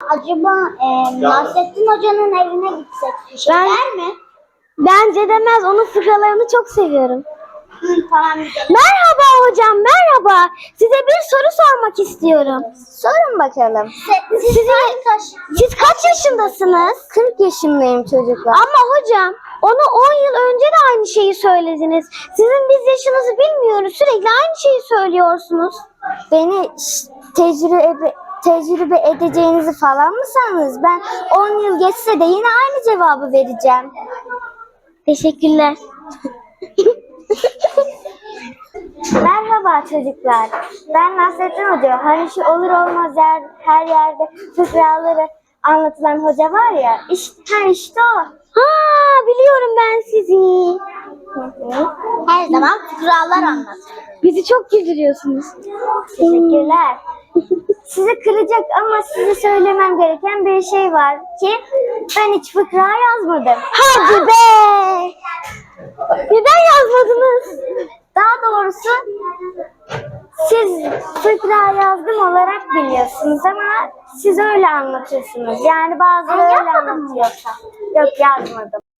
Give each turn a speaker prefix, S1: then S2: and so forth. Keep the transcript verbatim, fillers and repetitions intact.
S1: Acaba e, Nasrettin Hoca'nın evine gitsek bir şey
S2: Ben-
S1: der mi?
S2: Bence demez. Onun fıkralarını çok seviyorum.
S1: Hı, tamam gidelim.
S2: Merhaba hocam, merhaba. Size bir soru sormak istiyorum. Sorun bakalım.
S1: Siz, siz kaç,
S2: Siz kaç yaşındasınız? kırk yaşındayım çocuklar. Ama hocam, ona on yıl önce de aynı şeyi söylediniz. Sizin biz yaşınızı bilmiyoruz. Sürekli aynı şeyi söylüyorsunuz. Beni tecrübe tecrübe edeceğinizi falan mı sandınız? Ben on yıl geçse de yine aynı cevabı vereceğim. Teşekkürler. Merhaba çocuklar. Ben Nasrettin Hoca. Hani şu olur olmaz yer, her yerde fıkraları anlatılan hoca var ya. İşte, ha işte o. Ha, biliyorum ben sizi.
S1: her zaman fıkralar anlatır.
S2: Bizi çok güldürüyorsunuz. Teşekkürler. Sizi kıracak ama size söylemem gereken bir şey var ki ben hiç fıkra yazmadım. Hadi be! Neden yazmadınız? Daha doğrusu siz fıkra yazdım olarak biliyorsunuz ama siz öyle anlatıyorsunuz. Yani bazıları öyle anlatıyor. Yok yazmadım.